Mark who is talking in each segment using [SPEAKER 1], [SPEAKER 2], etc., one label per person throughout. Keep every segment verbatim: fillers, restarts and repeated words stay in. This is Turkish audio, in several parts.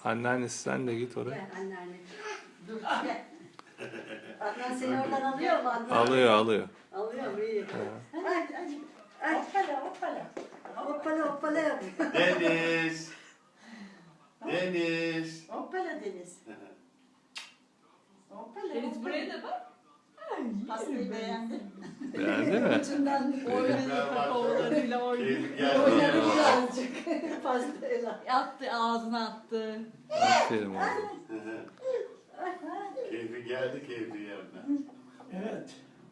[SPEAKER 1] Anneannesi sen de git oraya.
[SPEAKER 2] Gel anneanne. Dur gel. Adnan seni oradan alıyor mu Adnan?
[SPEAKER 1] Alıyor alıyor.
[SPEAKER 2] Alıyor mu iyi. Hadi hadi. Ay.
[SPEAKER 3] Hoppala hoppala.
[SPEAKER 2] Hoppala hoppala yapıyor.
[SPEAKER 4] Deniz. Deniz.
[SPEAKER 3] Hoppala Deniz. Hoppala.
[SPEAKER 5] Deniz buraya da bak.
[SPEAKER 3] Pastayı beğendim.
[SPEAKER 1] Beğendi mi?
[SPEAKER 2] Ucundan
[SPEAKER 5] Oynadı kakaolarıyla oynadı.
[SPEAKER 4] Keyfi geldi.
[SPEAKER 2] oynadı birazcık. Pastayla.
[SPEAKER 5] Attı ağzına attı.
[SPEAKER 1] Aferin oğlum.
[SPEAKER 4] Keyfi geldi keyfi yerine.
[SPEAKER 3] Evet.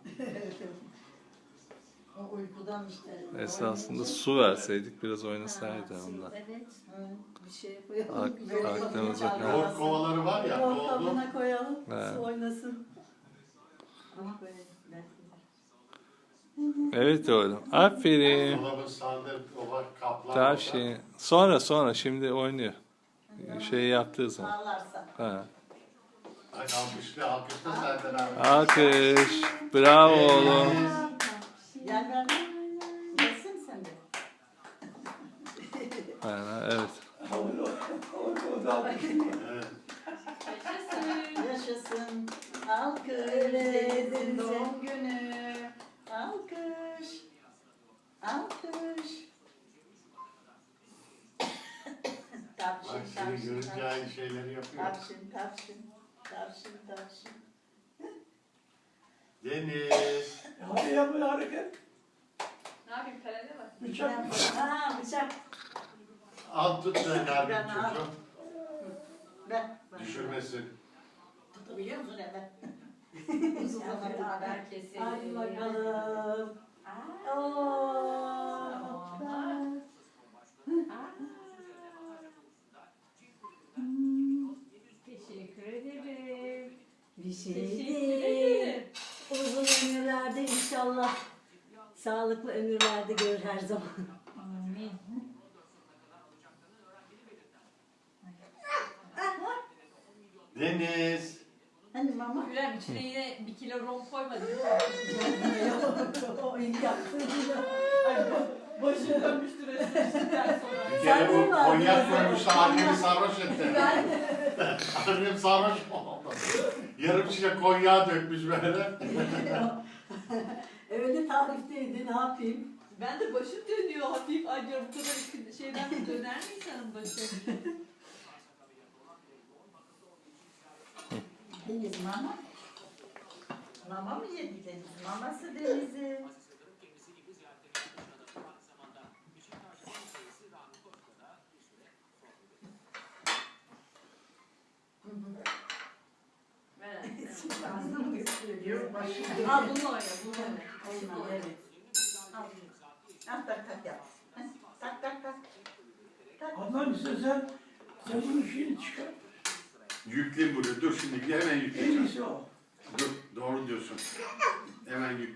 [SPEAKER 2] O uykudan işte.
[SPEAKER 1] Esasında su verseydik biraz oynasaydı ondan.
[SPEAKER 2] Evet. Bir şey koyalım.
[SPEAKER 1] Ak-
[SPEAKER 2] Böyle
[SPEAKER 1] aklımıza
[SPEAKER 2] kapıyı
[SPEAKER 1] kal-
[SPEAKER 4] Yoğurt kovaları var ya.
[SPEAKER 2] Yoğurt
[SPEAKER 4] Doldu.
[SPEAKER 2] kabına koyalım.
[SPEAKER 1] He.
[SPEAKER 2] Su oynasın. Ama böyle.
[SPEAKER 1] Evet oğlum. Aferin.
[SPEAKER 4] Dolabın sağında o var kaplar.
[SPEAKER 1] Tavşin. Sonra sonra şimdi oynuyor. Şey yaptığı zaman.
[SPEAKER 2] Ağlarsa.
[SPEAKER 1] Ha.
[SPEAKER 4] Ay alkışlı alkışlı zaten abi.
[SPEAKER 1] Alkış. Bravo oğlum.
[SPEAKER 2] Gel ben. Gelsin sen de.
[SPEAKER 1] Ha, evet.
[SPEAKER 4] Evet.
[SPEAKER 2] Yaşasın. Alkış. Deniz'in doğum günü. Alkış. Alkış.
[SPEAKER 4] Bak
[SPEAKER 2] Tavşın,
[SPEAKER 4] seni
[SPEAKER 2] tavşın,
[SPEAKER 4] görünce aynı şeyleri yapıyor.
[SPEAKER 2] tavşın, tavşın, tavşın, tavşın.
[SPEAKER 4] Deniz.
[SPEAKER 3] Hadi yap bir hareket.
[SPEAKER 5] Ne yapayım kalede bak.
[SPEAKER 3] Bıçak.
[SPEAKER 2] Ha bıçak.
[SPEAKER 4] Al tut da nerede
[SPEAKER 2] Ben al.
[SPEAKER 4] çocuğum.
[SPEAKER 2] Ver. ver.
[SPEAKER 4] Düşürmesin.
[SPEAKER 2] Tutabiliyor musun hemen?
[SPEAKER 5] Uzun zaman haber keselim.
[SPEAKER 2] Hadi bakalım.
[SPEAKER 5] Aa.
[SPEAKER 2] Oo.
[SPEAKER 5] Teşekkür ederim.
[SPEAKER 2] Bir şey
[SPEAKER 5] Teşekkür
[SPEAKER 2] değil.
[SPEAKER 5] ederim.
[SPEAKER 2] Uzun ömürlerde inşallah. Sağlıklı ömürlerde gör her zaman.
[SPEAKER 5] Amin.
[SPEAKER 4] Deniz.
[SPEAKER 2] Hani mama?
[SPEAKER 5] Gülem içine yine bir kilo rom koymadın değil mi?
[SPEAKER 2] Yok, o ilk yaptığım
[SPEAKER 5] Ay bo- başım dönmüştür esneştikten sonra.
[SPEAKER 4] Bir kere
[SPEAKER 2] Sen
[SPEAKER 4] bu
[SPEAKER 2] değil mi aldın
[SPEAKER 4] konyak
[SPEAKER 2] o
[SPEAKER 4] koymuştu
[SPEAKER 2] zaman?
[SPEAKER 4] annemi sarhoş etti. Annem sarhoş oldu. Yarım şişe konyağı dökmüş böyle.
[SPEAKER 2] Öyle tarifteydi, ne yapayım?
[SPEAKER 5] Ben de başım dönüyor hafif. Ay diyorum bu kadar şeyden de döner mi insanın başı?
[SPEAKER 3] Deniz mama. Mama mı yedi Deniz? Maması Deniz'i.
[SPEAKER 5] Ver.
[SPEAKER 3] Ağzını mı gösteriyor? Başını.
[SPEAKER 5] Al bunu oyna, bunu oyna.
[SPEAKER 3] Şimdi evet. Al. Ah tak tak yap. Tak tak tak. Tak.
[SPEAKER 6] Adnan istersen sen bunun şeyini çıkar.
[SPEAKER 4] Yükleyeyim bunu. Dur şimdi hemen
[SPEAKER 6] En
[SPEAKER 4] yükleyeceğim.
[SPEAKER 6] iyisi o.
[SPEAKER 4] Dur doğru diyorsun. Hemen yük.